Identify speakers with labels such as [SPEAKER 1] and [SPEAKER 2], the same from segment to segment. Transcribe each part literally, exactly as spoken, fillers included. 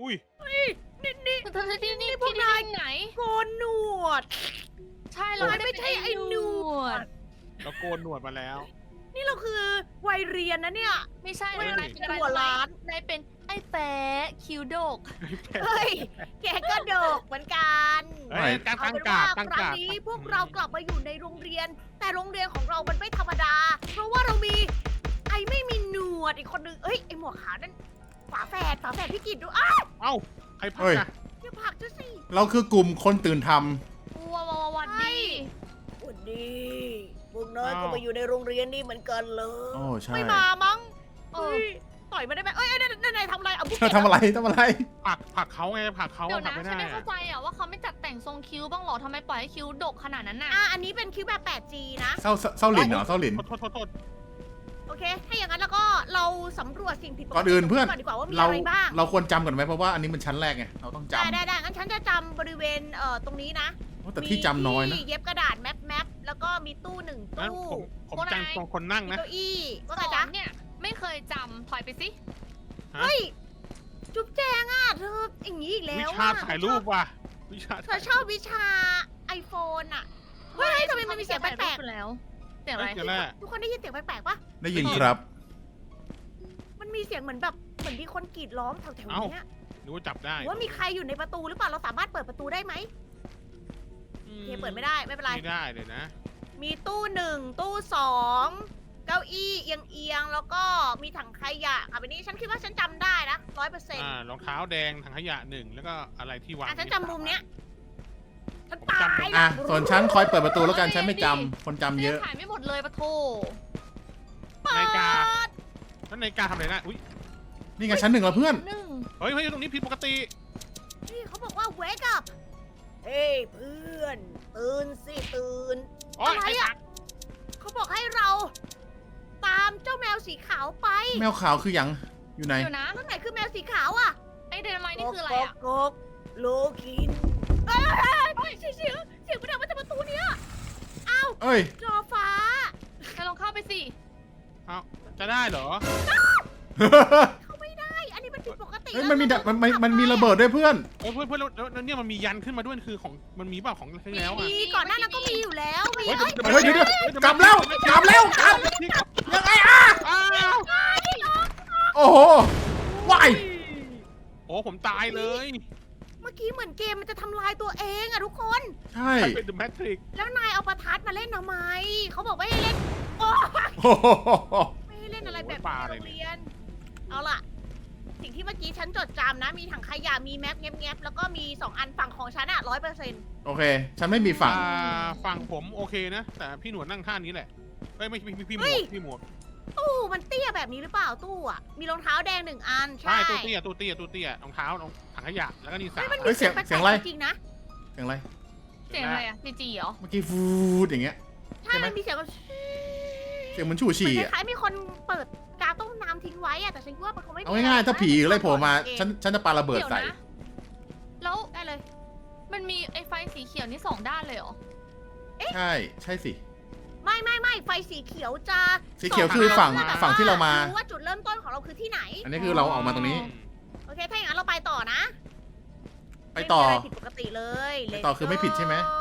[SPEAKER 1] อุ้ย
[SPEAKER 2] นี่นี่
[SPEAKER 3] เธอที่นี่
[SPEAKER 2] พวกนาย
[SPEAKER 3] ไหน
[SPEAKER 2] โกนหนวด
[SPEAKER 3] ใช่เรา
[SPEAKER 2] ไม่ใช่ไอ้หนวด
[SPEAKER 1] เราโกนหนวดมาแล้ว
[SPEAKER 2] นี่เราคือวัยเรียนนะเนี่ย
[SPEAKER 3] ไม่ใช่
[SPEAKER 1] เฮ้ย
[SPEAKER 3] นายเป็นอะไร
[SPEAKER 2] หัวล้าน
[SPEAKER 3] นายเป็นไอ้แป๊ะคิวโดก
[SPEAKER 2] เฮ้ย แกก็โดกเหมือนกัน
[SPEAKER 1] เฮ้ยตั้ง
[SPEAKER 2] เอา
[SPEAKER 1] ตั้ง
[SPEAKER 2] เป็น
[SPEAKER 1] กา
[SPEAKER 2] ว่า
[SPEAKER 1] ดตั้ง
[SPEAKER 2] ครั้
[SPEAKER 1] กาง ด
[SPEAKER 2] นี้พวกเรากลับมาอยู่ในโรงเรียน แต่โรงเรียนของเรามันไม่ธรรมดา เพราะว่าเรามีไอ้ไม่มีหนวดอีกคนนึงเอ้ยไอ้หมวกขาวนั่นฝาแฝดฝาแฝดพี่กิตดูอ้าว
[SPEAKER 1] เอ้าใครพัก
[SPEAKER 4] เฮ้ย
[SPEAKER 1] อะ
[SPEAKER 2] อย่าผลักฉันสิ
[SPEAKER 4] เราคือกลุ่มคนตื่นท
[SPEAKER 3] ว้าวว้าววันดี
[SPEAKER 2] สวัสดีพวกน้อยก็มาอยู่ในโรงเรียนนี่เหมือนกันเล
[SPEAKER 4] ำ
[SPEAKER 2] ย
[SPEAKER 4] โอ้ใช่
[SPEAKER 2] ไม่มามั้ง
[SPEAKER 3] เอ
[SPEAKER 2] เอ้
[SPEAKER 3] อย
[SPEAKER 2] ต่อยมาได้ไหมเอ้ยเอ้ยนายนายทำอะไรเอาบุก
[SPEAKER 4] เธอทำอะไรทำอะไร
[SPEAKER 1] ผลักผลักเขาไงผลักเขา
[SPEAKER 3] เดี๋ยว
[SPEAKER 1] ผลั
[SPEAKER 3] นะ
[SPEAKER 1] กไม่
[SPEAKER 3] ฉัน
[SPEAKER 1] ได้
[SPEAKER 3] ไม่เข้า
[SPEAKER 1] อะ
[SPEAKER 3] ใจอ่ะว่าเขาไม่จัดแต่งทรงคิ้วบ้างเหรอทำไมปล่อยให้คิ้วดกขนาดนั้นน่ะ
[SPEAKER 2] อ่ะอันนี้เป็นคิวแบบ แปดจี นะ
[SPEAKER 4] เศร้าเศร้าหลินเหรอเศร้าหลิน
[SPEAKER 1] โทษโทษโทษ
[SPEAKER 2] โอเค ถ้าอย่างนั้นแล้วก็เราสำรวจสิ่งผิดปกติ
[SPEAKER 4] ก่อนอื่นเพื่อน
[SPEAKER 2] ก่อนดีกว่าว่ามี
[SPEAKER 4] เรา
[SPEAKER 2] อะไรบ้าง
[SPEAKER 4] เราควรจำก่อนไหมเพราะว่าอันนี้มันชั้นแรกไงเราต้องจ
[SPEAKER 2] ได้ได้ได้งั้นฉันจะจำบริเวณเอ่อตรงนี้นะ
[SPEAKER 4] ำโอ้แต่ที่จำน้อยนะ
[SPEAKER 2] มีที่เย็บกระดาษแมปแมปแล้วก็มีตู้หนึ่ง
[SPEAKER 1] งั้น
[SPEAKER 2] ตู้
[SPEAKER 1] ผมผมจังตรงคนนั่ง
[SPEAKER 2] มี
[SPEAKER 1] นะ
[SPEAKER 2] เก้าอี้ว่า
[SPEAKER 3] ส
[SPEAKER 2] ไง
[SPEAKER 3] อ
[SPEAKER 2] จ๊ะ
[SPEAKER 3] นเนี่ยไม่เคยจำถอยไปสิ
[SPEAKER 1] ฮะ
[SPEAKER 2] เฮ้ย จุ๊บแจงอ่ะเธออย่างนี้อีกแล้
[SPEAKER 1] วิ
[SPEAKER 2] ว
[SPEAKER 1] ชา
[SPEAKER 2] อะ
[SPEAKER 1] ถ่ายรูปว่ะวิชา
[SPEAKER 2] เธอชอบวิชา iPhone อ่ะ เฮ้ยทำไมมันมีเสียงแปลก
[SPEAKER 3] ๆแล้วเสียง
[SPEAKER 1] เฮ้
[SPEAKER 3] อะไร
[SPEAKER 1] ยเดี๋ยวแรก
[SPEAKER 2] ๆทุกคนได้ยินเสียงแปลกๆปะ
[SPEAKER 4] ได้ยินครับ
[SPEAKER 2] มันมีเสียงเหมือนแบบเหมือนมีคนกรีดร้องแถวๆเนี้ย
[SPEAKER 1] หรือว่าจับได้
[SPEAKER 2] หรือว่ามีใครอยู่ในประตูหรือเปล่าเราสามารถเปิดประตูได้ไหม
[SPEAKER 1] อื
[SPEAKER 2] โอเคเปิดไม่ได้ไม่เป็นไร
[SPEAKER 1] ไม่ได้เลยนะ
[SPEAKER 2] มีตู้หนึ่งตู้สองเก้าอี้เอียงเอียงๆแล้วก็มีถังขยะอ่ะแบบนี้ฉันคิดว่าฉันจำได้นะร้อยเปอร์เซ็นต์
[SPEAKER 1] อ่ารองเท้าแดงถังขยะหนึ่งแล้วก็อะไรที่วาง
[SPEAKER 2] อ่ะฉันจำมุมเนี้ยฉัน
[SPEAKER 1] ผม
[SPEAKER 2] ตา
[SPEAKER 1] จำ
[SPEAKER 2] ย
[SPEAKER 1] ได้
[SPEAKER 4] อ่ะส่วนฉันคอยเปิดประตูแล้วกันฉันไม่จำคนจำเยอะ
[SPEAKER 3] ถ่ายไม่หมดเลยปะโถ
[SPEAKER 1] นาฬิกาแล้วนาฬิกาทำอะไรนะอุ้ย
[SPEAKER 4] นี่ไงชั้นหนึ่งแล้วเพื่อน
[SPEAKER 3] หนึ่ง
[SPEAKER 1] เฮ้ยเฮ้ยตรงนี้ผิดปกติ
[SPEAKER 2] นี่เขาบอกว่า wake up เฮ้ยเพื่อนตื่นสิตื่น
[SPEAKER 1] โอ๊ย
[SPEAKER 2] อะไร
[SPEAKER 1] ไอ้
[SPEAKER 2] อะ
[SPEAKER 1] ตัก
[SPEAKER 2] เขาบอกให้เรา ตามเจ้าแมวสีขาวไป
[SPEAKER 4] แมวขาวคือหยังอยู่ไหน
[SPEAKER 3] เดี๋ยวนะ
[SPEAKER 2] ข้างไหนคือแมวสีขาวอ่ะ
[SPEAKER 3] ไอ้เดนไมนี่คืออะไรอ่ะ
[SPEAKER 2] กกโลกินเอ้ยเอ้ยเอ้ยเสียงเสียงเสียงมันดังมาจากประตูเนี้ย
[SPEAKER 4] เอ้ย
[SPEAKER 2] จอฟ้า
[SPEAKER 3] แกลองเข้าไปสิ
[SPEAKER 1] เอาจะได้เหรอ
[SPEAKER 2] เขาไม่ได้ อันนี้มันผิดปกติ
[SPEAKER 4] เฮ้ย
[SPEAKER 2] แล้ว
[SPEAKER 4] มันมีดะ
[SPEAKER 2] เรา
[SPEAKER 4] มันมันมันมีระเบิดด้วยเพื่อน
[SPEAKER 1] เออเพื่อนเพื่อนแล้วแล้วแล้วเนี่ยมันมียันขึ้นมาด้วยคือของมันมีเปล่าของที่แล้วอ่ะ
[SPEAKER 2] มีก่อนหน้านั้นก็มีอยู่แล้วมี
[SPEAKER 1] เฮ้ย
[SPEAKER 2] เอ้ย
[SPEAKER 4] เฮ้ยเดี๋ยวเดี๋ยวกลับแล้วกลับแล้วกลับ ยังไงอ่ะ
[SPEAKER 1] อ้าว
[SPEAKER 4] โอ้โหวาย
[SPEAKER 1] โอ้ผมตายเลย
[SPEAKER 2] เมื่อกี้เหมือนเกมมันจะทำลายตัวเองอะทุกคน
[SPEAKER 4] ใช่
[SPEAKER 1] ใครเป็น The Matrix
[SPEAKER 2] แล้วนายเอาประทัดมาเล่นทำไม เขาบอกว่าให้เล่น โอ้
[SPEAKER 4] โอ้โห
[SPEAKER 2] ไม่ให้เล่นอะไรแบบ
[SPEAKER 1] โอ้ยปลา
[SPEAKER 2] นี้
[SPEAKER 1] อะไร
[SPEAKER 2] ในโรง
[SPEAKER 1] เนี่ย
[SPEAKER 2] เรียน เอาล่ะ สิ่งที่เมื่อกี้ฉันจดจำนะ มีถังขยะ มีแมปแงบๆแล้วก็มีสองอันฝั่งของฉันอะร้อยเปอร์เซ็นต์
[SPEAKER 4] โอเค ฉันไม่มีฝั่ง
[SPEAKER 1] อ่าฝั่งผมโอเคนะ แต่พี่หนวดนั่งท่านี้แหละเอ้ยไม่พี่พี่พี่หม
[SPEAKER 2] เฮ้
[SPEAKER 1] วย กพี่หมวก
[SPEAKER 2] ตู้มันเตี้ยแบบนี้หรือเปล่าตู้อะมีรองเท้าแดงหนึ่งอัน
[SPEAKER 1] ใช่
[SPEAKER 2] ใช่
[SPEAKER 1] ตู้เตี้ยตู้เตี้ยตู้เตี้ยรองเท้ารองถังขยะแล้วก็นี่สาม
[SPEAKER 2] เฮ้ยมัน
[SPEAKER 4] เฮ้
[SPEAKER 2] มี
[SPEAKER 4] ยเสี
[SPEAKER 2] เสี
[SPEAKER 4] ย
[SPEAKER 2] ย
[SPEAKER 4] ง
[SPEAKER 2] งแปล
[SPEAKER 4] เสียงอะไร
[SPEAKER 2] กๆจริงๆนะ
[SPEAKER 4] เสียงอะไร
[SPEAKER 3] เสียงอะไรอ่ะจีจีเหรอ
[SPEAKER 4] เมื่อกี้ฟูดอย่างเงี้ย
[SPEAKER 2] ใช่
[SPEAKER 4] ใช่ไหม
[SPEAKER 2] มันมีเสียงแบบ
[SPEAKER 4] เสียงเหมือนชู
[SPEAKER 2] เหมื
[SPEAKER 4] ฉี่
[SPEAKER 2] อน
[SPEAKER 4] อ่ะ
[SPEAKER 2] คล้ายๆมีคนเปิดกาต้มน้ำทิ้งไว้อะแต่ฉันคิดว่ามันคงไม่มี
[SPEAKER 4] เอาง่ายๆถ้าผีอะไรโผล่มา
[SPEAKER 2] เก
[SPEAKER 4] ฉันฉันจะปาระเบิด
[SPEAKER 3] เดี๋ยว
[SPEAKER 4] ใส่
[SPEAKER 3] นะ แล้ว
[SPEAKER 2] ได้เลย
[SPEAKER 3] มันมีไอ้ไฟสีเขียวนี่สองด้านเลยเหรอ
[SPEAKER 4] ใช่ ใช่สิ
[SPEAKER 2] ไม่ไม่ไม่ไฟสีเขียวจะ
[SPEAKER 4] สีเขียวคือฝั่ง
[SPEAKER 2] ส่ทา
[SPEAKER 4] ฝั่งที่เรามา
[SPEAKER 2] รู้ว่าจุดเริ่มต้นของเราคือที่ไหน
[SPEAKER 4] อันนี้คือเราออกมาตรงนี้
[SPEAKER 2] โอเค ถ้าอย่างนั้นเราไปต่อนะ
[SPEAKER 4] ไปต่อ
[SPEAKER 2] ม่มีะไรผิดปกติเลย
[SPEAKER 4] ไปต่อ
[SPEAKER 2] Let's
[SPEAKER 4] คือไม่ผิดใช่ไหม
[SPEAKER 2] go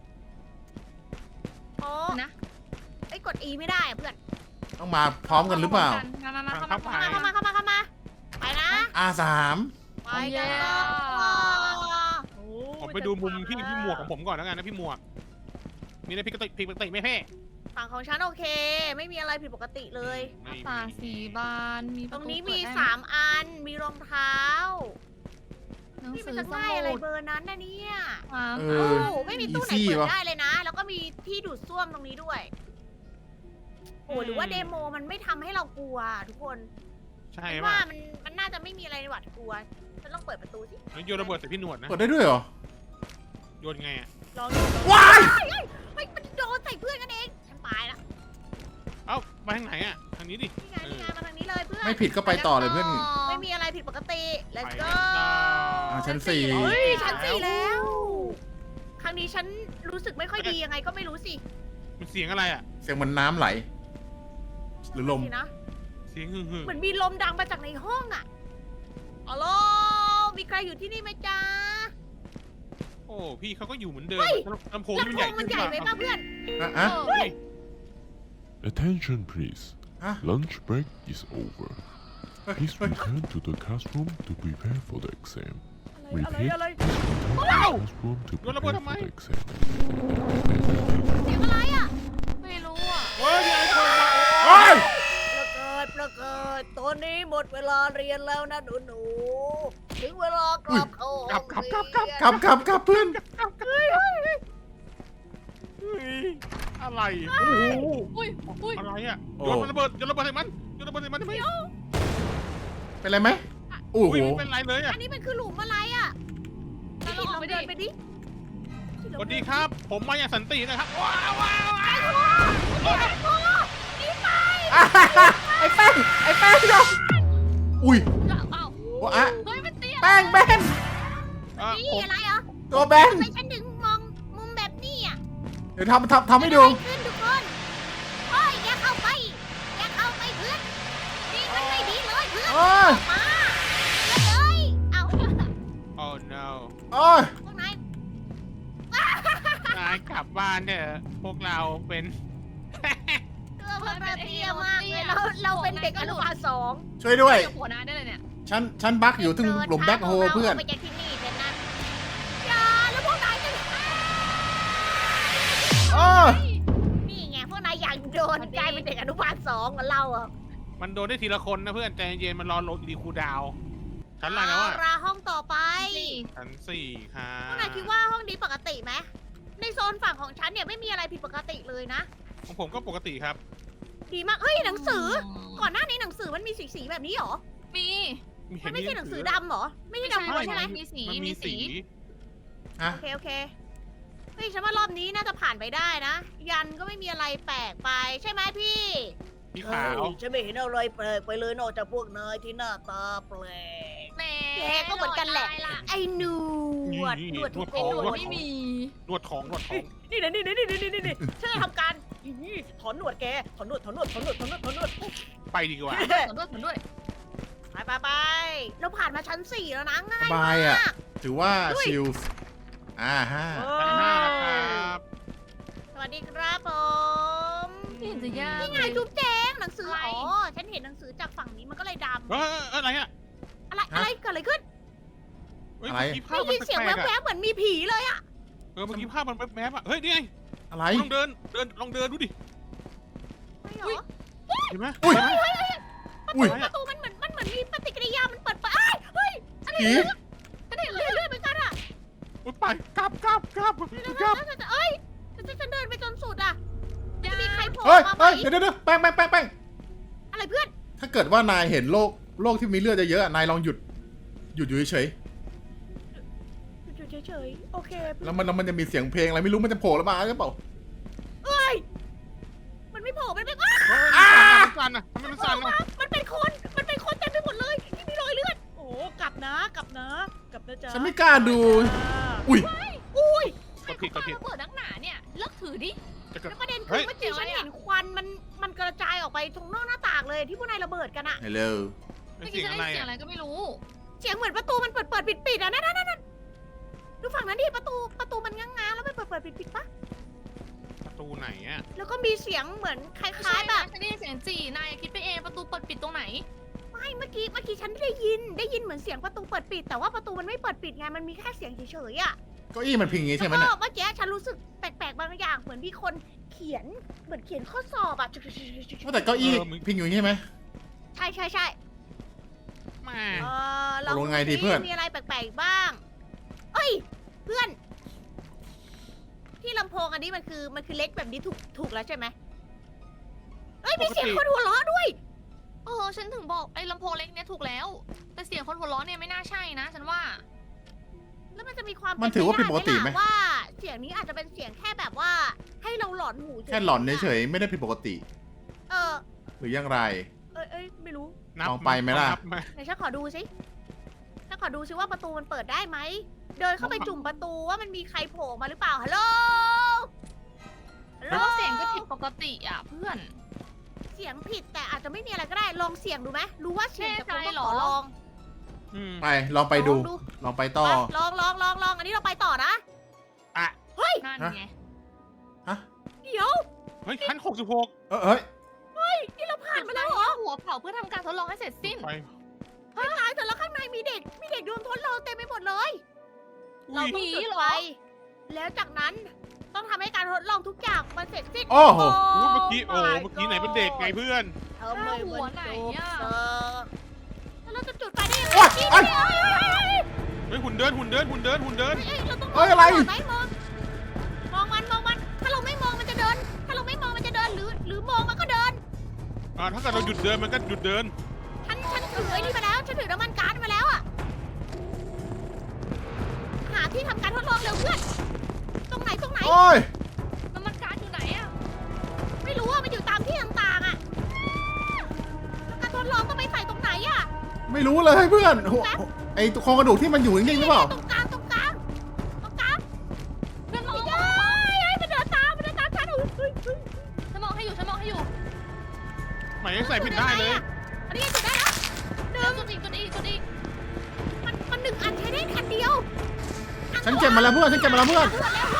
[SPEAKER 2] โอ้
[SPEAKER 3] นะ
[SPEAKER 2] ไอ้ยกด E ไม่ได้อะเพื่อน
[SPEAKER 4] ต้องมาพร้อมกันหรือเปล่า
[SPEAKER 3] มามามาเข้ามา
[SPEAKER 1] ไป
[SPEAKER 3] เข้ามา
[SPEAKER 2] เข้ามาเข้ามาเข้ามาเข้ามาไปนะ
[SPEAKER 4] อาสาม
[SPEAKER 2] ไปกันต่อโอ้
[SPEAKER 1] ผมไปดูมุมพี่พี่หมวกของผมก่อนแล้วกันนะพี่หมวก มีอะไรผิดปกติผิดปกติไหมเพ่
[SPEAKER 2] ฝั่งของฉันโอเค ไม่มีอะไรผิดปกติเลย
[SPEAKER 1] ไม่
[SPEAKER 3] ตาสีบานมีป
[SPEAKER 2] ต
[SPEAKER 3] ระ
[SPEAKER 2] รง
[SPEAKER 3] ตู
[SPEAKER 2] นี้
[SPEAKER 3] เปิ
[SPEAKER 2] มี
[SPEAKER 3] ดได้ไห
[SPEAKER 2] สามอัน มีรองเท้า
[SPEAKER 3] หนัง
[SPEAKER 2] นี่
[SPEAKER 3] สื
[SPEAKER 2] มัน
[SPEAKER 3] อ
[SPEAKER 2] จะ
[SPEAKER 3] ส
[SPEAKER 2] ง่ายอะไร
[SPEAKER 3] มุด
[SPEAKER 2] เบอร์นั้นนะเนี่ย
[SPEAKER 3] อ่า
[SPEAKER 4] เอ
[SPEAKER 2] โอ้
[SPEAKER 4] อ
[SPEAKER 2] ไม่มีตู้ไหน
[SPEAKER 4] easy
[SPEAKER 2] เปิด
[SPEAKER 4] วะ
[SPEAKER 2] ได้เลยนะ แล้วก็มีที่ดูดซ่วมตรงนี้ด้วย โอ้หรือว่าเดโมมันไม่ทำให้เรากลัวทุกคน
[SPEAKER 1] ใช่
[SPEAKER 2] คิด
[SPEAKER 1] ป่ะ
[SPEAKER 2] ว่ามันมันน่าจะไม่มีอะไรหวาดกลัวฉันลองเปิดประตูสิ
[SPEAKER 1] โยนระเบิดใส่พี่หนวดนะ
[SPEAKER 4] เปิดได้ด้วยเหรอ
[SPEAKER 1] โยนไงอ่ะ
[SPEAKER 2] ลองดู
[SPEAKER 4] ว้าย
[SPEAKER 2] เฮ้ยมันโดนใส่เพื่อนกันเองฉันตายละ
[SPEAKER 1] เอ้ามาทางไหนอ่ะทางนี้ดิ
[SPEAKER 2] นี่ไงนี่ไงมาทางนี้เลยเพื่อน
[SPEAKER 4] ไม่ผิดก็ไปต่อเลยเพื่อน
[SPEAKER 2] ไม่มีอะไรผิดปกติ let's
[SPEAKER 1] ไป
[SPEAKER 2] go
[SPEAKER 1] ต่อ
[SPEAKER 4] อ่าชั้นสี่
[SPEAKER 2] เฮ้ยชั้นสี่แล้ว ครั้งนี้ฉันรู้สึกไม่ค่อยดียังไงก็ไม่รู้สิ
[SPEAKER 1] มันเสียงอะไรอ่ะ
[SPEAKER 4] เสียงเหมือนน้ำไหล หรือลม
[SPEAKER 2] สินะ
[SPEAKER 1] เสียงหึ่งหึ่ง
[SPEAKER 2] เหมือนมีลมดังมาจากในห้องอะอ๋อโลมีใครอยู่ที่นี่ไหมจ๊ะ
[SPEAKER 1] โอ้พี่เขาก็อยู่เหมือนเดิม
[SPEAKER 2] เฮ้ย
[SPEAKER 1] ลำโพงนี่มันใหญ่
[SPEAKER 2] ลำโพงมัน
[SPEAKER 1] ขึ้น
[SPEAKER 2] ใหญ่ไหมป่ะเพื่อน
[SPEAKER 4] อ่ะอ่ะ
[SPEAKER 3] เออ
[SPEAKER 1] เฮ้ย
[SPEAKER 5] Attention please.
[SPEAKER 4] Huh?
[SPEAKER 5] Lunch break is over.
[SPEAKER 4] เฮ้ย
[SPEAKER 5] Please
[SPEAKER 4] เฮ้ย
[SPEAKER 5] return to the classroom to prepare for the exam.
[SPEAKER 2] อะไรอะไร
[SPEAKER 5] Repeat.
[SPEAKER 2] อะไร
[SPEAKER 5] Return to the classroom to
[SPEAKER 1] Yo la
[SPEAKER 5] prepare
[SPEAKER 1] puedo
[SPEAKER 5] for the
[SPEAKER 1] más.
[SPEAKER 5] exam.
[SPEAKER 2] เสียงอะไรอ่ะ
[SPEAKER 3] ไม่รู้อ่ะ
[SPEAKER 1] เฮ้ยมีอะไรโผล่มา
[SPEAKER 4] เฮ้ย
[SPEAKER 2] ประกาศประกาศตอนนี้หมดเวลาเรียนแล้วนะหนูหนูๆถึงเวลากลับเข้าห้องเรียน
[SPEAKER 4] กลับกลับกลับเพื่อน
[SPEAKER 1] เฮ้ยอะไรโอ้โห
[SPEAKER 3] อุ้ยอุ้ย
[SPEAKER 1] อะไรอ่ะ
[SPEAKER 4] โอ้
[SPEAKER 1] โยนมันระเบิดโยนระเบิดใส่มันโยนระเบิดใส่มันได้ไหม
[SPEAKER 4] เป็นไรไหมโอ้
[SPEAKER 1] อุ้
[SPEAKER 4] โห
[SPEAKER 1] ยไม่เป็นไรเลยอ่ะ
[SPEAKER 2] อันนี้มันคือหลุมอะไรอ่ะ
[SPEAKER 3] แล้
[SPEAKER 2] พี่
[SPEAKER 3] ว
[SPEAKER 2] กิ
[SPEAKER 3] เรา
[SPEAKER 2] ต
[SPEAKER 3] อ
[SPEAKER 2] ล
[SPEAKER 3] อ
[SPEAKER 2] อก ง
[SPEAKER 3] ไป
[SPEAKER 2] เดิ
[SPEAKER 3] ดิ
[SPEAKER 2] นไปดิ
[SPEAKER 1] สวัสดีครับ ผมมาอย่างสันตินะครับว้าวว้าวว้าว
[SPEAKER 2] นี่ไป
[SPEAKER 4] อ่ะไอ้แป้งไอ้แป้งเนาะอุ้ย
[SPEAKER 3] เอ้า
[SPEAKER 4] ว่าอะ
[SPEAKER 3] เฮ้ยมันเตี้ย
[SPEAKER 4] แป้งแบน
[SPEAKER 1] เอ่อ
[SPEAKER 2] นี่
[SPEAKER 1] ผม
[SPEAKER 2] อะไรเหรอ
[SPEAKER 4] ตัวแบน
[SPEAKER 2] ทำไมฉันถึงมองมุมแบบนี้อ่ะ
[SPEAKER 4] เดี๋ยวทำทำทำให้ดู
[SPEAKER 2] เกิดอะไรขึ้นทุกคนโอ้ยอย่าเข้าไปอย่าเข้าไปเพื่อนนี่มันไม่ดีเลยเพื่อน
[SPEAKER 4] โอ้ย
[SPEAKER 2] มาเลยเอา
[SPEAKER 1] โอ้ no
[SPEAKER 4] โอ้ย
[SPEAKER 2] พวกนาย
[SPEAKER 1] นายกลับบ้านเถอะพวกเราเป็น
[SPEAKER 2] ตัวพวกเราเตี้ยมากเลยเราเราเป็นเด็กอนุบาลสอง
[SPEAKER 4] ช่วยด้วย
[SPEAKER 3] เดี๋ยวหัวหน้าได้เลยเนี่ย
[SPEAKER 4] ฉันฉันบักอยู่ถึงหลุมแบ็คโฮเพื่อน
[SPEAKER 2] าไปจากที่นี่เถอะนะอย่าแล้วพวกนายจะ
[SPEAKER 4] โอ้ย
[SPEAKER 2] นี่ไงพวกนายอยากโดนกลายเป็นเด็กอนุบาลสองกับเราอ่ะ
[SPEAKER 1] มันโดนได้ทีละคนนะเพื่อนใจเย็นๆมันรอโหลดรีคูลดาวน์ชั้นอะไรแล้วอ่ะ
[SPEAKER 2] เาราห้องต่อไป
[SPEAKER 3] นี่
[SPEAKER 1] ชั้นสี่ค่ะ
[SPEAKER 2] พวกนายคิดว่าห้องนี้ปกติไหมในโซนฝั่งของฉันเนี่ยไม่มีอะไรผิดปกติเลยนะ
[SPEAKER 1] ของผมก็ปกติครับ
[SPEAKER 2] ดีมากเฮ้ยหนังสือ ก่อนหน้านี้หนังสือมันมีสีสีๆแบบนี้เหรอ
[SPEAKER 3] มี
[SPEAKER 2] มันไม่ใช่หนังสือดำเหรอ ไม่ใช่ดำล้วนใช่ไหม
[SPEAKER 3] มีสี
[SPEAKER 1] มัน
[SPEAKER 3] มี
[SPEAKER 1] มี
[SPEAKER 3] สี
[SPEAKER 1] สี
[SPEAKER 4] อ่ะ
[SPEAKER 2] โอเคโอเคเฮ้ยฉันว่ารอบนี้น่าจะผ่านไปได้นะ ยันก็ไม่มีอะไรแปลกไปใช่ไหมพี่
[SPEAKER 1] สีขาว
[SPEAKER 2] เฮ้ยฉันไม่เห็นอะไรแปลกไปเลยนอกจากพวกนายที่หน้าตาแปลก
[SPEAKER 3] แหม
[SPEAKER 2] แกก็เหมือนกันแหละ
[SPEAKER 3] โดดตาย
[SPEAKER 2] ไอ้หนวดหนวดทุก
[SPEAKER 3] ไอ้
[SPEAKER 2] ค
[SPEAKER 3] หนวด
[SPEAKER 2] น
[SPEAKER 3] ไม่มี
[SPEAKER 1] นวดของนวดของ
[SPEAKER 2] นี่นะนี่นะนี่นะนี่นะนี่นะฉันจะทำการอี้ถอนหนวดแกถอนหนวดถอนหนวดถอนหนวดถอนหนวดถอนหนวด
[SPEAKER 1] ไปดีกว่า
[SPEAKER 3] สนด้วยสนด้วย
[SPEAKER 2] ไปไปไปเราผ่านมาชั้นสี่แล้วนะง่า
[SPEAKER 4] ส
[SPEAKER 2] ย
[SPEAKER 4] บายอ่ะ
[SPEAKER 2] มาก
[SPEAKER 4] ถือว่าชิลอ่าฮะ
[SPEAKER 1] ชั้นห้าแล้วครับ
[SPEAKER 2] สวัสดีครับผม
[SPEAKER 3] ไม่เห็นจะยาก
[SPEAKER 2] นี่ไง
[SPEAKER 3] เลย
[SPEAKER 2] จุ๊บแจงหนังสือ
[SPEAKER 3] อะไร
[SPEAKER 2] อ๋อฉันเห็นหนังสือจากฝั่งนี้มันก็เลยด
[SPEAKER 1] เฮ้ยอะไรอ่ะ
[SPEAKER 2] ำอะไรอะไรเกิดอะไรขึ้น
[SPEAKER 1] เฮ้ย
[SPEAKER 4] อะไร
[SPEAKER 1] เมื่อกี้ภา
[SPEAKER 2] ได้
[SPEAKER 1] พมั
[SPEAKER 2] ยิ
[SPEAKER 1] น
[SPEAKER 2] นเสียง
[SPEAKER 1] แปลกๆ
[SPEAKER 2] แว
[SPEAKER 1] อ่ะ
[SPEAKER 2] บๆเหมือนมีผีเลยอะ
[SPEAKER 1] เออเมื่อกี้ภาพมันแวบๆอ่ะเฮ้ยนี่ไง
[SPEAKER 4] อะไร
[SPEAKER 1] ลองเดินเดินลองเดินดูดิ
[SPEAKER 2] ไม่เหรอ
[SPEAKER 1] เห็นไหม
[SPEAKER 4] อุ้ย
[SPEAKER 1] เห็นไหม
[SPEAKER 4] อุ้ย
[SPEAKER 2] ประตูมันเหมือนมันเหมือนมีปฏิกิริยามันเปิดไปเอ้ยเฮ้ย
[SPEAKER 4] ผี
[SPEAKER 2] ฉันเห็นเลือดเลือดเหมือนกันอะ
[SPEAKER 1] อุ๊ยไปกลับกลับกลับกลับ
[SPEAKER 2] แล้วฉันจะเอ้ยฉันจะฉันเดินไปจนสุดอะจะมีใครโผล่
[SPEAKER 4] เฮ้ย
[SPEAKER 2] มาไหม
[SPEAKER 4] เฮ้ยเดี๋ยวเดี๋ยวเดี๋ยวแป้งแป้งแป้งแป้ง
[SPEAKER 2] อะไรเพื่อน
[SPEAKER 4] ถ้าเกิดว่านายเห็นโลกโลกที่มีเลือดเยอะๆอ่ะนายลองหยุด หยุดอยู่เฉย
[SPEAKER 2] อยู่เฉยๆโอเค
[SPEAKER 4] ๆแล้วมันแล้วมันจะมีเสียงเพลงอะไรไม่รู้มันจะโผล่แล้วมาหรือเปล่า
[SPEAKER 2] เอ้ยมันไม่โผล่มันเป็นอ้า
[SPEAKER 1] เฮ้ยมันสั่นอ่ะทำไมมันสั่นอ่ะ
[SPEAKER 2] มันเป็นคนมันเป็นคนเต็มไปหมดเลยที่มีรอยเลือดโอ้กลับนะกลับนะกลับนะจ๊ะ
[SPEAKER 4] ฉันไม่กล้าดู อุ้ย
[SPEAKER 2] อุ้ย
[SPEAKER 1] กดผิดกดผิด
[SPEAKER 3] ระเบิดนักหนาเนี่ยเลิกถือดิ
[SPEAKER 1] จะกด
[SPEAKER 2] แล้วประเด็นคื
[SPEAKER 1] เฮ้
[SPEAKER 2] อย เมื่อกี้ฉันเห็นควันมันมันกระจายออกไปตรงนอกหน้าต่างเลยที่พวกนายระเบิดกันอะ
[SPEAKER 4] ฮัลโหล
[SPEAKER 1] เป็น
[SPEAKER 3] เมื่อ
[SPEAKER 1] เสี
[SPEAKER 3] กี้
[SPEAKER 1] ยง
[SPEAKER 3] ฉัน
[SPEAKER 1] อะไร
[SPEAKER 3] ได้ยินเสียง
[SPEAKER 1] อ่ะ
[SPEAKER 3] อะไรก็ไม่รู้
[SPEAKER 2] เสียงเหมือนประตูมันเปิดเปิดปิดปิดอะนั่นนั่นนั่นดูฝั่งนั้นดิประตูประตูมันง้างๆแล้วมันเปิดเปิดปิดปิดปะ
[SPEAKER 1] ประตูไหนอ่ะ
[SPEAKER 2] แล้วก็มีเสียงเหมือนค
[SPEAKER 3] ไม่
[SPEAKER 2] ล้า
[SPEAKER 3] ใช่
[SPEAKER 2] ยๆแบ
[SPEAKER 3] นะ
[SPEAKER 2] บ
[SPEAKER 3] ฉันได้ยินเสียงจีนายคิดไปเองประตูเปิดปิดตรงไหน
[SPEAKER 2] ไม่เมื่อกี้เมื่อกี้ฉันได้ยินได้ยินเหมือนเสียงประตูเปิดปิด แต่ว่าประตูมันไม่เปิดปิดไงมันมีแค่เสียงเฉยๆอะ
[SPEAKER 4] เก้าอี้มันพิงอย่างงี้ใช่ไหม
[SPEAKER 2] แล้ว
[SPEAKER 4] เนี่ย
[SPEAKER 2] ก็เมื่อกี้ฉันรู้สึกแปลกๆบางอย่างเหมือนมีคนเขียนเหมือนเขียนข้อสอบอะ
[SPEAKER 4] ว่าแต่เก้าอี้พิงอยู่อย่างงี้ใช่ไหม
[SPEAKER 2] ใช่ใช่ใช่
[SPEAKER 1] แม่
[SPEAKER 2] เออเรา
[SPEAKER 4] ตกลงไงดีเพื่อน
[SPEAKER 2] มีอะไรแปลกๆบ้าง เอ้ย เพื่อน ที่ลำโพงอันนี้มันคือมันคือเล็กแบบนี้ถูกถูกแล้วใช่ไหมเอ้ยมีเสียงคนหัวเราะด้วย
[SPEAKER 3] เออฉันถึงบอกไอ้ลำโพงเล็กเนี่ยถูกแล้ว แต่เสียงคนหัวเราะเนี่ยไม่น่าใช่นะฉันว่า
[SPEAKER 2] แล้วมันจะมีความ
[SPEAKER 4] มันถือว่าผิดปกติไหม
[SPEAKER 2] เนปด้ล่ะว่าเสียงนี้อาจจะเป็นเสียงแค่แบบว่า ให้เราหลอนหูฉยๆ
[SPEAKER 4] แค่หลอนเฉยๆไม่ได้ผิดปกติ
[SPEAKER 2] เออ
[SPEAKER 4] หรือยังไร
[SPEAKER 2] เอ้ยเอ้ยไม่รู้
[SPEAKER 1] นับ
[SPEAKER 4] ลองไปไหมล่ะ
[SPEAKER 1] นับไหม
[SPEAKER 2] ไหนฉันขอดูสิฉันขอดูสิว่าประตูมันเปิดได้ไหม เดินเข้าไปจุ่มประตูว่ามันมีใครโผล่มาหรือเปล่า ฮัลโหล ฮัลโหล
[SPEAKER 3] แล้วเสียงก็ผิดปกติอ่ะเพื่อน
[SPEAKER 2] เสียงผิดแต่อาจจะไม่มีอะไรก็ได้ ลองเสี่ยงดูไหมรู้ว่าเสียงจะ
[SPEAKER 3] แน่ใจ
[SPEAKER 2] ก็
[SPEAKER 3] เหร
[SPEAKER 2] ข
[SPEAKER 3] อ
[SPEAKER 2] อลอง
[SPEAKER 1] อืม
[SPEAKER 4] ไปลองไปดู
[SPEAKER 2] ลองดู
[SPEAKER 4] ลองไปต่อ
[SPEAKER 2] ไปลองลองลองลองอันนี้เราไปต่อนะ
[SPEAKER 1] อ่ะ
[SPEAKER 2] เฮ้ย
[SPEAKER 3] นั่นไง
[SPEAKER 4] ฮะ
[SPEAKER 2] เดี๋ยว
[SPEAKER 1] เฮ้ยขั้นหกสิบหก
[SPEAKER 4] เออเฮ้ย
[SPEAKER 2] นี่เราผ่านมาแล้วเหรอ
[SPEAKER 3] หัวเผาเพื่อทำการทดลองให้เสร็จสิ้น
[SPEAKER 1] ไป
[SPEAKER 2] ไม่ตายแต่แล้วข้างในมีเด็ก มีเด็กโดนทดลองเต็มไปหมดเลย
[SPEAKER 1] อุ้
[SPEAKER 2] เรา
[SPEAKER 1] ย
[SPEAKER 2] ต้องจุดไฟแล้วจากนั้นต้องทำให้การทดลองทุกอย่างมันเสร็จสิ้น
[SPEAKER 4] โอ้โห
[SPEAKER 1] อุ๊ยเมื่อกี้โอ้โหเมื่อกี้ไหนเป็นเด็กไงเพื่อน
[SPEAKER 2] ทำไม
[SPEAKER 3] หัวไหนอะ
[SPEAKER 2] เออแล้วเราจะจุดไฟได้ยังไง
[SPEAKER 4] โอ๊ย
[SPEAKER 2] นี่
[SPEAKER 4] โอ๊ย
[SPEAKER 2] นี่เอ้ยเอ้ยเอ้ย
[SPEAKER 1] เฮ้ยหุ่นเดินหุ่นเดินหุ่นเดินหุ่นเดิน
[SPEAKER 2] เอ้ยเราต้องม
[SPEAKER 4] เอ้
[SPEAKER 2] อง
[SPEAKER 4] ยอะไร
[SPEAKER 2] ก่นไหมมองมองมันมองมัน ถ้าเราไม่มองมันจะเดิน ถ้าเราไม่มองมันจะเดินหรือ หรือมองมันก็เดิน
[SPEAKER 1] อ่าถ้าเกิดเราหยุดเดินมันก็หยุดเดิน
[SPEAKER 2] ฉันฉันถือไอ้นี่มาแล้ว ฉันถือน้ำมันก๊าซมาแล้วอะหาที่ทำการทดลองเร็วเพื่อน ตรงไหนตรงไหน
[SPEAKER 4] โอ้ย
[SPEAKER 3] น้ำมันก๊าซอยู่ไหนอะ
[SPEAKER 2] ไม่รู้ว่ามันอยู่ตามที่ต่างๆอะแล้วการทดลองต้องไปใส่ตรงไหนอะ
[SPEAKER 4] ไม่รู้เลยเพื่อนโอ้โหไอโครงกระดูกที่มันอยู่นิ่งๆหรือเปล่า
[SPEAKER 2] ตรงกลางตรงกลางตรงกลาง
[SPEAKER 3] เพื่อนมอง
[SPEAKER 2] เฮ้ยเฮ้ยมันเดินตามมันเดินตามฉันเฮ้ยเฮ้ยเฮ้ย
[SPEAKER 3] ฉันมองให้อยู่ฉันมองให้อยู่
[SPEAKER 1] หมายยังใส่ผิดได้เลย
[SPEAKER 2] อันนี้จุดได้แล้วห
[SPEAKER 3] เดิ
[SPEAKER 2] นึ่
[SPEAKER 3] น
[SPEAKER 2] ง
[SPEAKER 3] จุดอีกจุดอีกจุดอีก
[SPEAKER 2] มันมันหนึ่งอันใช้ได้อันเดียวอั
[SPEAKER 4] ฉันเก็บมาแล้วเพื่อนฉันเก็บมาแล้วเพื่อน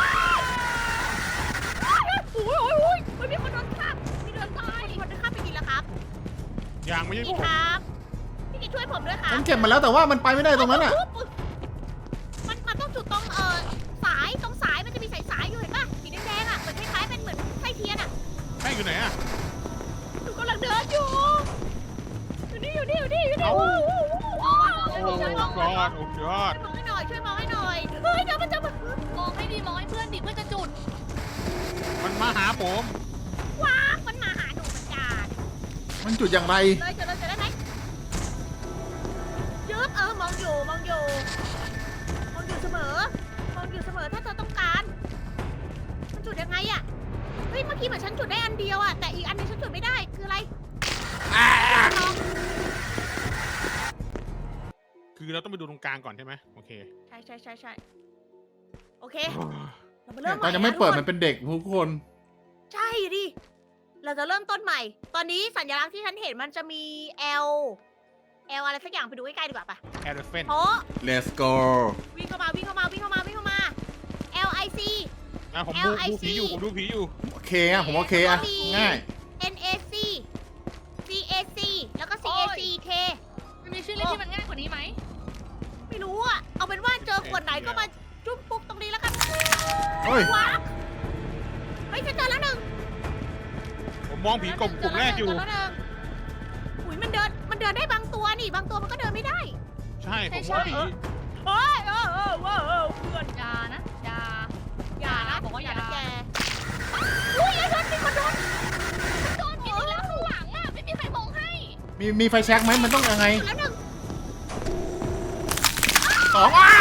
[SPEAKER 2] โอ้ยโอ้ยโอ้ยมันมีคนโดนฆ่ามีโดนตายมีคนโดนฆ่าไปกินแล้วครับ
[SPEAKER 1] ยังไม่ใช่
[SPEAKER 2] พี่
[SPEAKER 1] ผม
[SPEAKER 2] ครับพี่กินช่วยผมด้วยครับ
[SPEAKER 4] ฉันเก็บมาแล้วแต่ว่ามันไปไม่ได้ตรงนั้นอ่ะ
[SPEAKER 2] มันมันต้องจุดตรงเอ่อสายตรงสายมันจะมีสายสายอยู่เห็นป่ะสีแดงๆอ่ะเหมือนคล้ายๆเป็นเหมือนไส้เทียนอ่ะ
[SPEAKER 1] ใช่อยู่ไหนอ่ะ
[SPEAKER 2] หนูกำลังเดินอยู่อยู่นี่อยู่นี่อยู่นี่อยู่นี่
[SPEAKER 1] เอ้า
[SPEAKER 2] โอ้โหโอ้โห
[SPEAKER 1] โอ้โหยอดโอ้ยอด
[SPEAKER 2] ช่วยมองให้หน่อยช่วยมองให้หน่อยเฮ้ยเดี๋ยวมันจะมาม
[SPEAKER 3] องให้ดีมองให้เพื่อนดิเพื่อนจะจุด
[SPEAKER 1] มันมาหาผม
[SPEAKER 2] ว้างมันมาหาหนูเหมือนกัน
[SPEAKER 4] มันจุดอย่างไร
[SPEAKER 2] เลยจะเลยจะได้ไหมยึบเออมองอยู่มองอยู่มองอยู่เสมอมองอยู่เสมอถ้าเธอต้องการมันจุดยังไงอ่ะเฮ้ยเมื่อกี้เหมือนฉันจุดได้อันเดียวอ่ะแต่อีกอันนึงฉันจุดไม่ได้คืออะไรลอง
[SPEAKER 1] คือเราต้องไปดูตรงกลางก่อนใช่ไหมโอเค
[SPEAKER 2] ใช่ใช่ใช่ใช่โอเคเรามาเริ่
[SPEAKER 4] เนี่ย
[SPEAKER 2] ม
[SPEAKER 4] ตอนยังไม่เปิดมันเป็นเด็กทุกคน
[SPEAKER 2] ใช่ดิเราจะเริ่มต้นใหม่ ตอนนี้สัญลักษณ์ที่ฉันเห็นมันจะมี L L อะไรสักอย่างไปดูใกล้ๆดีกว่าปะ
[SPEAKER 1] แอร์เฟน
[SPEAKER 2] เพราะ
[SPEAKER 4] let's go
[SPEAKER 2] วิ่งเข้ามาวิ่งเข้ามาวิ่งเข้ามาวิ่งเข้ามา L I C
[SPEAKER 1] อ่ะผมดู
[SPEAKER 2] L I C
[SPEAKER 1] ดูผีอยู่ผมดูผีอยู่
[SPEAKER 4] โอเคอ่ะผมโอเคอ่ะง่าย
[SPEAKER 2] N A C C A C แล้วก็ C A C K
[SPEAKER 3] มันมีชื่อเล่นที่มันง่ายกว่านี้ไหม
[SPEAKER 2] ไม่รู้อ่ะ เอาเป็นว่าเจอขวดไหนก็มาจุ๊บปุ๊บตรงนี้แล้วกัน
[SPEAKER 4] เฮ้ย
[SPEAKER 2] ว้าวเฮ้ยฉันเจอแล้วหนึ่ง
[SPEAKER 1] ผมมองผีกลุ่มกลุ่มแรกอยู่
[SPEAKER 2] เจแล้วหนึ่งอุ้ยมันเดินมันเดินได้บางตัวนี่บางตัวมันก็เดินไม่ได้
[SPEAKER 1] ใช่ผมว่าผี
[SPEAKER 2] เฮ้ยเออเออเออเออเพื่อน
[SPEAKER 3] อยานะอยา
[SPEAKER 2] อย่านะ
[SPEAKER 3] บอกว่าอย่า
[SPEAKER 2] นะแกอุ้ยไอ้โดนมีคนโดน
[SPEAKER 3] โดนกินอีกแล้วข้างหลังอ่ะไม่มีใครมองให้
[SPEAKER 4] มีมีไฟแช็กไหมมันต้องยังไง
[SPEAKER 2] แล้วหนึ่ง
[SPEAKER 4] สองอ่ะ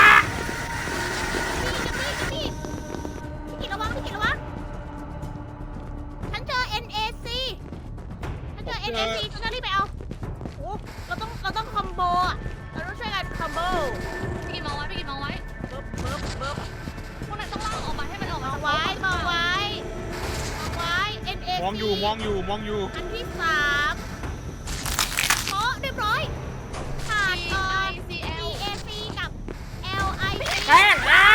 [SPEAKER 2] พี่พี่พี่พี่กินระวังพี่กินระวังฉันเจอ N A C ฉันเจอ N A C ฉันจะรีบไปเอาโอ้เราต้องเราต้องคอมโบอ่ะเราต้องช่วยกันคอมโบ
[SPEAKER 3] พี่กินมองไว้พี่กินมองไว้
[SPEAKER 2] เบิบเบิบเบิบ
[SPEAKER 3] พวกนั้นต้องล่างออกมาให้มันออก
[SPEAKER 2] ม
[SPEAKER 3] มา
[SPEAKER 2] องไว้มองไว้มองไว้ N A C
[SPEAKER 1] มองอยู่มองอยู่มองอยู่
[SPEAKER 2] อันที่สามโอ้เรียบร้อยขาด
[SPEAKER 3] ซี
[SPEAKER 2] เอ่
[SPEAKER 3] ไอ
[SPEAKER 2] อ
[SPEAKER 3] ซี
[SPEAKER 2] C
[SPEAKER 3] เอล
[SPEAKER 2] A C กับ L I C
[SPEAKER 4] แป้งอ่ะ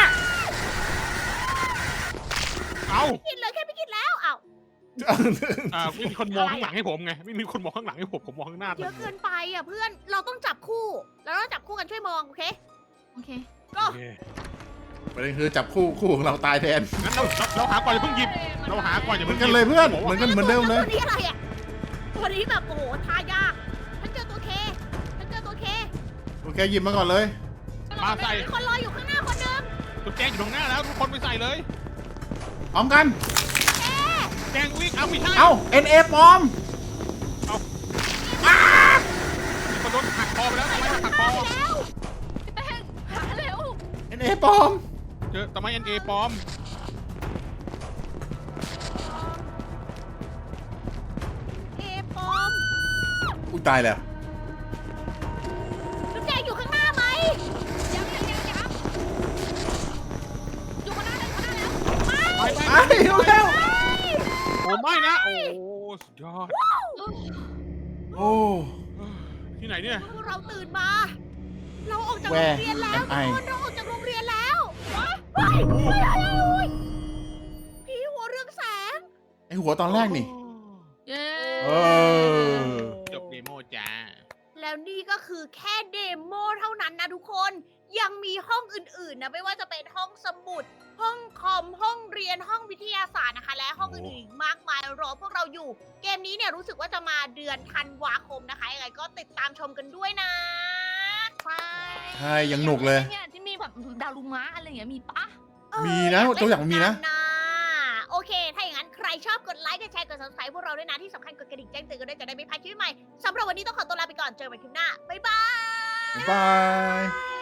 [SPEAKER 1] เอ้า
[SPEAKER 2] กินเลยแค่ไม่กินแล้วอ้าว
[SPEAKER 1] อ่าไม่มีคนมองข้างหลังให้ผมไงไม่มีคนมองข้างหลังให้ผมผมมองข้างหน้า
[SPEAKER 2] เยอะเกินไปอ่ะเพื่อนเราต้องจับคู่เราต้องจับคู่กันช่วยมองโอเค
[SPEAKER 3] โอเค
[SPEAKER 2] ก็
[SPEAKER 1] โอเค
[SPEAKER 4] ประเด็นคือจับคู่คู่ของเราตายแทน
[SPEAKER 1] งั้นเราเราเราหาก่อนอย่าเพิ่งหยิบเราหาก่อนอย่า
[SPEAKER 4] เหมื
[SPEAKER 1] เพิ่
[SPEAKER 4] อน
[SPEAKER 1] งห
[SPEAKER 4] กัน
[SPEAKER 1] ยิบ
[SPEAKER 4] เลยเพื่อน
[SPEAKER 1] ผม
[SPEAKER 4] เหมื
[SPEAKER 1] ว่า
[SPEAKER 4] อนกันเหมือนเดิมเลย
[SPEAKER 2] ตัวนี้อะไรอ่ะตัวนี้แบบโอ้โหทายากฉันเจอตัวเคฉันเจอตัวเค
[SPEAKER 4] โอเคหยิบมาก่อนเลย
[SPEAKER 1] มาใส่
[SPEAKER 2] มีคนรออยู่ข้างหน้าคนหนึง
[SPEAKER 1] ตุ๊กแจงอยู่ตรงหน้าแล้วทุกคนไปใส่เลย
[SPEAKER 4] พร้อมกัน
[SPEAKER 1] แจงวิ่งเอาไม่ใช่
[SPEAKER 4] เอ้า N A ปลอม
[SPEAKER 1] มีคนโดนหักคอไปแล้วทำไมหักคอ
[SPEAKER 2] ไปแล้ว
[SPEAKER 3] พี่แป้งหาเร็ว
[SPEAKER 4] N A ปลอม
[SPEAKER 1] เจอทำไมเอ็นเอปลอม
[SPEAKER 2] เอปอม
[SPEAKER 4] อุ้ยตายแล้ว
[SPEAKER 2] จุ๊บแจงอยู่ข้างหน้าไหม
[SPEAKER 3] ยังยังยังยังอยู่ข้างหน้าเลยข้างหน้าแล้ว
[SPEAKER 2] ไม่
[SPEAKER 1] ไปไป
[SPEAKER 4] ไอ้เร็วเร็ว
[SPEAKER 1] โอ้ไม่นะ โอ้สุดยอด
[SPEAKER 4] โอ้
[SPEAKER 1] ที่ไหนเนี่ย
[SPEAKER 2] พวกเราตื่นมา เราจาก
[SPEAKER 4] แว
[SPEAKER 2] โร
[SPEAKER 4] ร์
[SPEAKER 2] งเรียนแล้ว
[SPEAKER 4] แอมไอ
[SPEAKER 2] ทุกคนเราออกจากโรงเรียนแล้วเฮ้ยเฮ้ยเฮ้ยเฮ้ยผีหัวเรืองแสง
[SPEAKER 4] ไอหัวตอนแรกนี่
[SPEAKER 3] เย้
[SPEAKER 4] เออ
[SPEAKER 1] จบเดโมจ้า
[SPEAKER 2] แล้วนี่ก็คือแค่เดโมเท่านั้นนะทุกคนยังมีห้องอื่นๆนะไม่ว่าจะเป็นห้องสมุด ห้องคอมห้องเรียนห้องวิทยาศาสตร์นะคะ และห้องอื่นๆอีกมากมายรอพวกเราอยู่ เกมนี้เนี่ยรู้สึกว่าจะมาเดือนธันวาคมนะคะยังไงก็ติดตามชมกันด้วยนะ
[SPEAKER 3] ใช่
[SPEAKER 4] ใช่ยังหนุกเลย
[SPEAKER 3] เนี่ยที่มีแบบดารุมะอะไรอย่างเงี้ยมีปะ
[SPEAKER 2] เออ
[SPEAKER 4] มีนะ
[SPEAKER 2] อยากเล่
[SPEAKER 4] ตัวอย่างมีนะ
[SPEAKER 2] เหกัโอเค ถ้าอย่างนั้นใครชอบกดไลค์ กดแชร์ กด ซับสไครบ์ พวกเราด้วยนะ ที่สำคัญกดกระดิ่งแจ้งเตือนกันด้วยจะได้ไม่พลาดคลิปใหม่ สำหรับวันนี้ต้องขอตัวลาไปก่อน เจอกันใหม่คลิปหน้า บ๊ายบาย
[SPEAKER 4] บ๊ายบาย